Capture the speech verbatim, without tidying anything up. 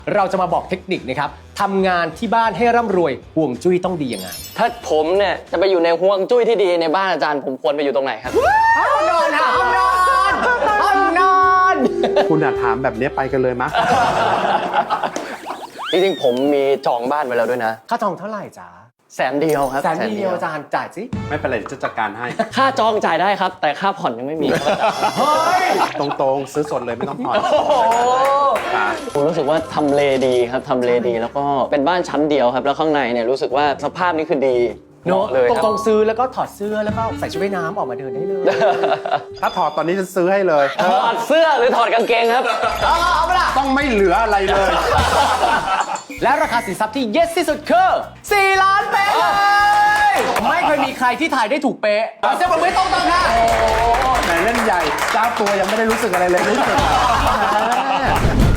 เราจะมาบอกเทคนิคนะครับทำงานที่บ้านให้ร่ำรวยห่วงจุ้ยต้องดียังไงถ้าผมเนี่ยจะไปอยู่ในห่วงจุ้ยที่ดีในบ้านอาจารย์ผมควรไปอยู่ตรงไหนครับห้องนอนค่ะห้องนอนห้องนอนคุณอะถามแบบนี้ไปกันเลยมะจริงๆผมมีจองบ้านไว้แล้วด้วยนะค่าจองเท่าไหร่จ๊ะแสนเดียวครับแสนเดียวอาจารย์จ่ายสิไม่เป็นไรจะจัดการให้ค่าจองจ่ายได้ครับ แต่ค่าผ่อนยังไม่มีครับเฮ้ยตรงๆ ซื้อสดเลยไม่ต้องผ่อนโอ้โหครับผมรู้สึกว่าทำเลดีครับทำเลดีแล้วก็เป็นบ้านชั้นเดียวครับ แล้วข้างในเนี่ยรู้สึกว่าสภาพนี่คือดีเนอะเลยครับตรงๆซื้อแล้วก็ถอดเสื้อแล้วก็ใส่ชุดว่ายน้ำออกมาเดินได้เลยถ้าถอดตอนนี้จะซื้อให้เลยถอดเสื้อหรือถอดกางเกงครับเอาเอาไปละต้องไม่เหลืออะไรเลยและราคาสินทรัพย์ที่ yes ที่สุดคือสี่ล้านเป๊ะเลยไม่เคยมีใครที่ถ่ายได้ถูกเป๊ะเอาเสียงปรบมือให้ตรงๆค่ะไหนเล่นใหญ่เจ้าตัวยังไม่ได้รู้สึกอะไรเลยรู้สึก